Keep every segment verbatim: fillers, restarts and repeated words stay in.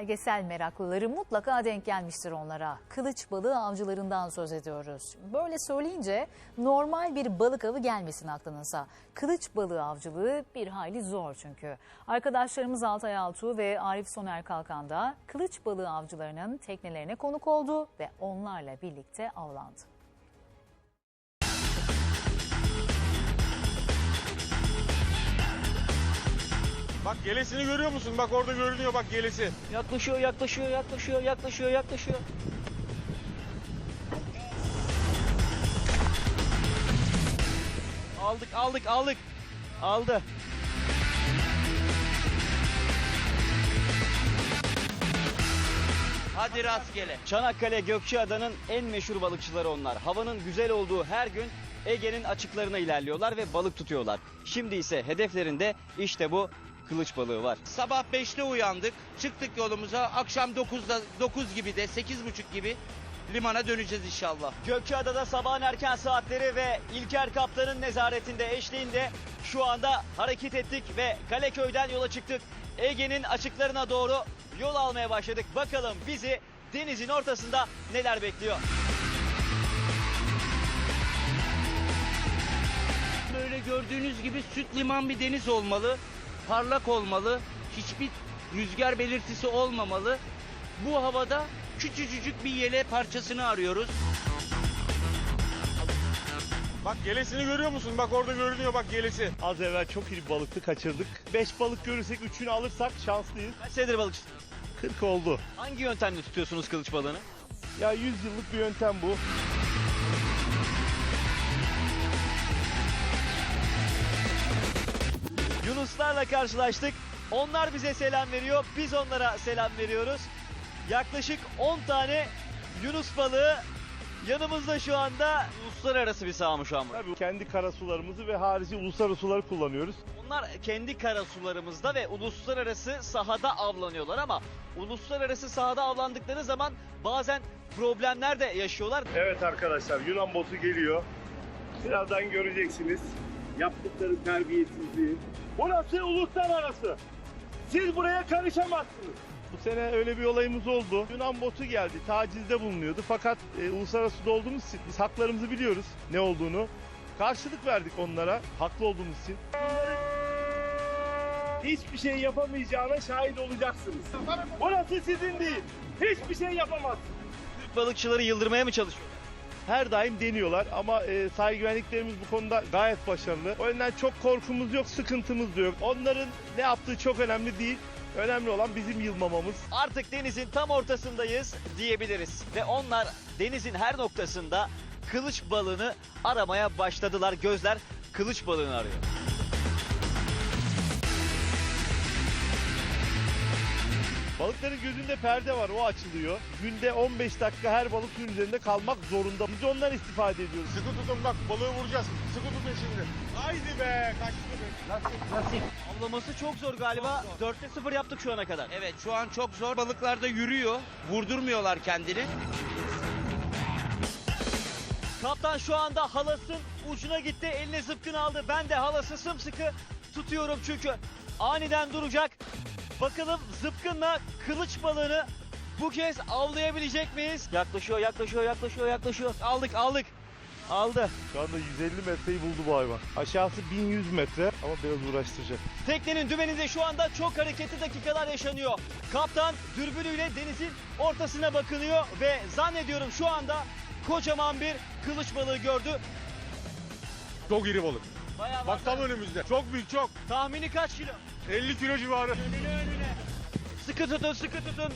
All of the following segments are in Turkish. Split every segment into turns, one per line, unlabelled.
Belgesel meraklıları mutlaka denk gelmiştir onlara. Kılıç balığı avcılarından söz ediyoruz. Böyle söyleyince normal bir balık avı gelmesin aklınıza. Kılıç balığı avcılığı bir hayli zor çünkü. Arkadaşlarımız Altay Altuğ ve Arif Soner Kalkan da kılıç balığı avcılarının teknelerine konuk oldu ve onlarla birlikte avlandı.
Bak gelesini görüyor musun? Bak orada görünüyor bak gelesi.
Yaklaşıyor, yaklaşıyor, yaklaşıyor, yaklaşıyor, yaklaşıyor. Aldık, aldık, aldık. Aldı.
Hadi rastgele.
Çanakkale Gökçeada'nın en meşhur balıkçıları onlar. Havanın güzel olduğu her gün Ege'nin açıklarına ilerliyorlar ve balık tutuyorlar. Şimdi ise hedeflerinde işte bu kılıç balığı var.
Sabah beşte uyandık. Çıktık yolumuza. Akşam dokuzda dokuz gibi de sekiz buçuk gibi limana döneceğiz inşallah.
Gökçeada'da sabahın erken saatleri ve İlker Kaptan'ın nezaretinde, eşliğinde şu anda hareket ettik ve Kaleköy'den yola çıktık. Ege'nin açıklarına doğru yol almaya başladık. Bakalım bizi denizin ortasında neler bekliyor?
Böyle gördüğünüz gibi süt liman bir deniz olmalı. Parlak olmalı. Hiçbir rüzgar belirtisi olmamalı. Bu havada küçücük bir yele parçasını arıyoruz.
Bak gelesini görüyor musun? Bak orada görünüyor bak gelesi.
Az evvel çok iyi bir balıktı, kaçırdık. beş balık görürsek üçünü alırsak şanslıyız.
Kaç senedir balıkçı?
kırk oldu.
Hangi yöntemle tutuyorsunuz kılıç balığını?
Ya yüz yıllık bir yöntem bu.
Yunuslarla karşılaştık. Onlar bize selam veriyor. Biz onlara selam veriyoruz. Yaklaşık on tane Yunus balığı yanımızda şu anda. Uluslararası bir saha mı şu an bu?
Tabii kendi karasularımızı ve harici uluslararası suları kullanıyoruz.
Onlar kendi karasularımızda ve uluslararası sahada avlanıyorlar ama uluslararası sahada avlandıkları zaman bazen problemler de yaşıyorlar.
Evet arkadaşlar, Yunan botu geliyor. Birazdan göreceksiniz yaptıkları terbiyesizliği. Burası uluslararası. Siz buraya karışamazsınız. Bu sene öyle bir olayımız oldu. Yunan botu geldi, tacizde bulunuyordu. Fakat e, uluslararası suda olduğumuz için biz haklarımızı biliyoruz ne olduğunu. Karşılık verdik onlara, haklı olduğumuz için. Hiçbir şey yapamayacağına şahit olacaksınız. Burası sizin değil. Hiçbir şey yapamazsınız.
Türk balıkçıları yıldırmaya mı çalışıyorlar?
Her daim deniyorlar ama e, sahil güvenliklerimiz bu konuda gayet başarılı. O yüzden çok korkumuz yok, sıkıntımız da yok. Onların ne yaptığı çok önemli değil. Önemli olan bizim yılmamamız.
Artık denizin tam ortasındayız diyebiliriz. Ve onlar denizin her noktasında kılıç balığını aramaya başladılar. Gözler kılıç balığını arıyor.
Balıkların gözünde perde var, o açılıyor. Günde on beş dakika her balık suyun üzerinde kalmak zorunda. Biz ondan istifade ediyoruz.
Sıkı tutun bak balığı vuracağız. Sıkı tutun şimdi. Haydi be kaçtı be.
Nasip nasip.
Avlaması çok zor galiba. dörtte sıfır yaptık şu ana kadar.
Evet şu an çok zor. Balıklar da yürüyor. Vurdurmuyorlar kendini.
Kaptan şu anda halasın ucuna gitti. Eline zıpkın aldı. Ben de halası sımsıkı tutuyorum çünkü aniden duracak. Bakalım zıpkınla kılıç balığını bu kez avlayabilecek miyiz? Yaklaşıyor, yaklaşıyor, yaklaşıyor, yaklaşıyor. Aldık, aldık. Aldı.
Şu anda yüz elli metreyi buldu bu hayvan. Aşağısı bin yüz metre ama biraz uğraştıracak.
Teknenin dümeninde şu anda çok hareketli dakikalar yaşanıyor. Kaptan dürbünüyle denizin ortasına bakılıyor ve zannediyorum şu anda kocaman bir kılıç balığı gördü.
Çok iri balık.
Bayağı
Bak tam önümüzde. Çok büyük çok.
tahmini kaç kilo?
elli kilo civarı.
Önüne önüne. Sıkı tutun, sıkı tutun.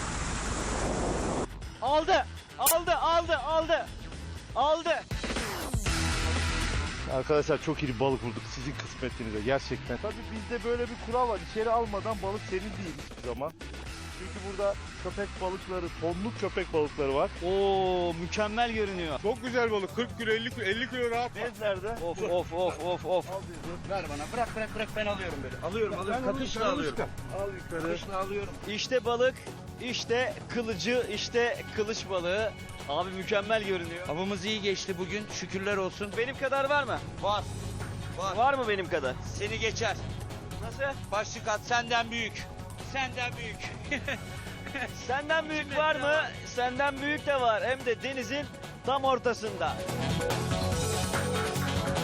Aldı, aldı, aldı, aldı. Aldı.
Arkadaşlar çok iyi bir balık vurduk sizin kısmetinize gerçekten. Tabii bizde böyle bir kural var. İçeri almadan balık senin değil hiçbir zaman. Çünkü burada köpek balıkları, tonluk köpek balıkları var.
Oo, mükemmel görünüyor.
Çok güzel balık. kırk kilo elli kilo elli kilo rahat.
Bezlerde.
Of of of of of.
Ver bana. Bırak bırak bırak ben alıyorum böyle. Alıyorum alıyorum. Kakışla alıyorum.
Al yukarı.
Kakışla alıyorum.
İşte balık, işte kılıcı, işte kılıç balığı. Abi mükemmel görünüyor.
Avımız iyi geçti bugün. Şükürler olsun.
Benim kadar var mı?
Var. Var.
Var mı benim kadar?
Seni geçer.
Nasıl?
Başlık at senden büyük. Senden büyük.
Senden büyük var mı? Senden büyük de var. Hem de denizin tam ortasında.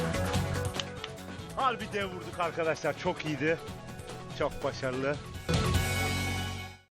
Harbi dev vurduk arkadaşlar. Çok iyiydi. Çok başarılı.